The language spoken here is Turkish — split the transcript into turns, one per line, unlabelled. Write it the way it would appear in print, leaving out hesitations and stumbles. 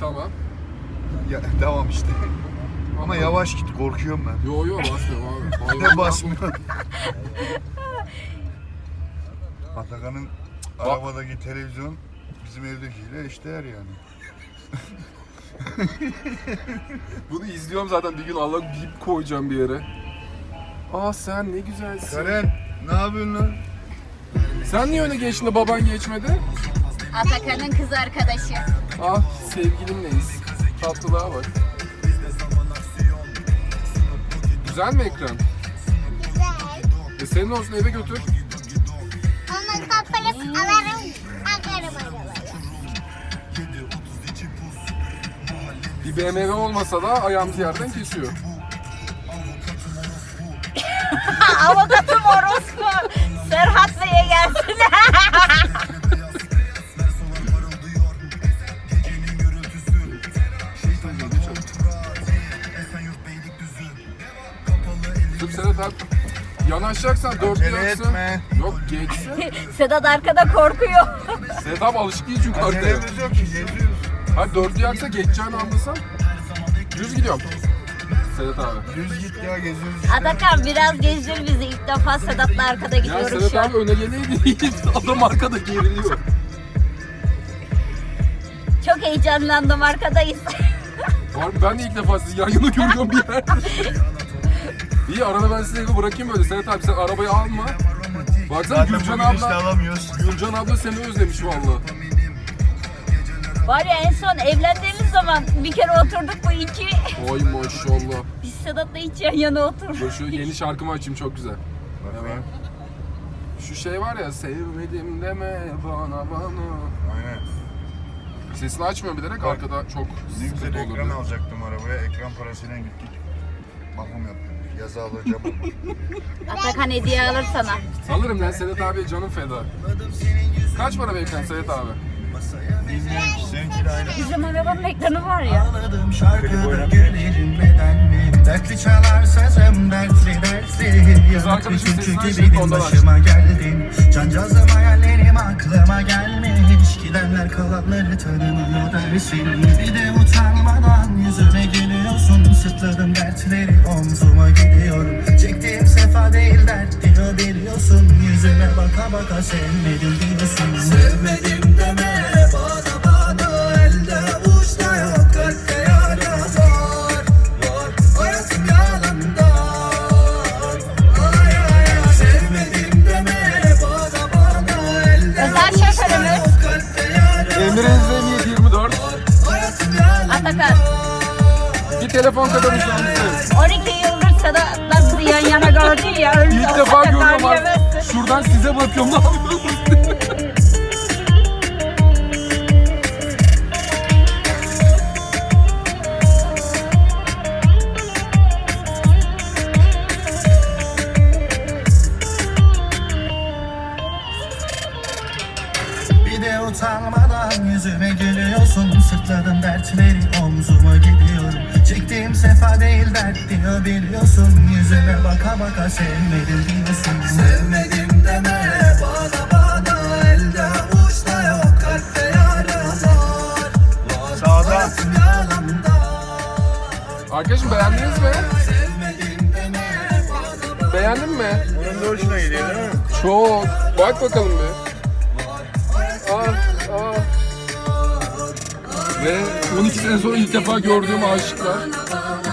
Tamam.
Ya, devam işte. Ama yavaş git, korkuyorum ben.
Yo basmıyorum abi.
Ne basmıyor? Atakan'ın arabadaki televizyon bizim evdekiyle eşdeğer yani.
Bunu izliyorum zaten, bir gün Allah bip koyacağım bir yere. Aa sen ne güzelsin.
Karen, ne yapıyorsun lan?
Sen niye öne geçtin de baban geçmedi?
Atakan'ın kız arkadaşı.
Ah sevgilimleyiz. Tatlılığa bak. Güzel mi ekran?
Güzel.
Senin olsun, eve götür.
Onun kapalı alırım. Akarım arabayı.
Bir BMW olmasa da ayağımızı yerden kesiyor.
Avukatım orospu. Serhat Bey'e gelsin.
Sırf Sedat abi yanaşacaksan dörtlü
Acele
yaksın.
etme.
Yok geçsin.
Sedat arkada korkuyor.
Sedat abi alışık değil çünkü arkaya.
Acelemiz yok ki, geziyoruz.
Hadi dörtlü yaksa geçeceğini anlasam. Düz gidiyorum. Sedat abi.
Düz git ya, geziyoruz işte.
Atakan biraz gezdir bizi. İlk defa Sedat'la arkada
Ya
gidiyoruz
Sedat
şu an.
abi öne geleydi. Adam arkada geriliyor.
Çok heyecanlandım, arkadayız.
Var ben de ilk defa sizi yan yana görüyorum bir yerde. İyi, arada ben sizi eve bırakayım böyle. Sedat abi sen arabayı alma. Baksana
Zaten
Gülcan
bugün işte
abla.
alamıyoruz.
Gülcan abla seni özlemiş valla.
Var ya, en son evlendiğimiz zaman bir kere oturduk bu iki.
Oy maşallah.
Biz Sedat'la hiç yan yana oturduk.
Dur şu yeni şarkımı açayım, çok güzel.
Bakayım.
Şu şey var ya, sevmedim deme bana.
Aynen.
Sesini açmıyorum bilerek, arkada çok
Ne
sıkıntı
güzel ekran
olur.
alacaktım arabaya. Ekran parasıyla gittik. Bakım yaptık. Yazı alacağım.
Atakan hediye alır sana.
Alırım lan, Sedat abi canım feda. Kaç para beklen Sedat abi?
Bilmiyorum ki, seninkiyle aynı.
Bizim arabanın ekranı var ya.
Ağladım şarkıda gülerim neden mi? Dertli çalar sazım dertli dertli. Yanık bir
arkadaşım
türkü
sesini açtı,
gibiydin
ondan
başıma geldin. Cancağızım hayallerim aklıma gelmiş. Gidenler kalanları tanımıyor dersin. Bir de utanmadan yüzüme gülüyorsun. Sırtladım dertleri omzuma gidiyorum. Çektiğim sefa değil dert diyor biliyorsun. Yüzüme baka baka sevmedim diyorsun. Sevmedim deme bana elde uçta yok kalpte yara var. Hayatım yalandan. Ay ay ay sevmedim deme bana elde
Özel şoförümüz
kalpte yara.
Emre Zemiyet 24.
Hayatım yalandan.
Atakan.
Bir telefon kadar uzandı.
12 yıldır Sedat'la bizi yan yana gördü ya. Öyle
İlk
olsa
defa
da
görüyorum abi.
yemezsin.
Şuradan size bakıyorum, ne yapıyorsunuz?
Bir de utanmadan yüzüme gülüyorsun. Sırtladım dertleri omzuma gidiyorum. Çektiğim sefa değil dert diyor biliyorsun. Yüzüme baka baka sevmedim diyorsun. Sevmedim deme bana elde uçta yok kalpte yara var.
Sağda.
Hayatım yalandan.
Arkadaşım beğendiniz mi?
Sevmedim deme bana.
Beğendin mi?
Onun da hoşuna gidiyor değil mi?
Çok. Bak bakalım bir. Ve 12 sene sonra ilk defa gördüğüm aşıklar.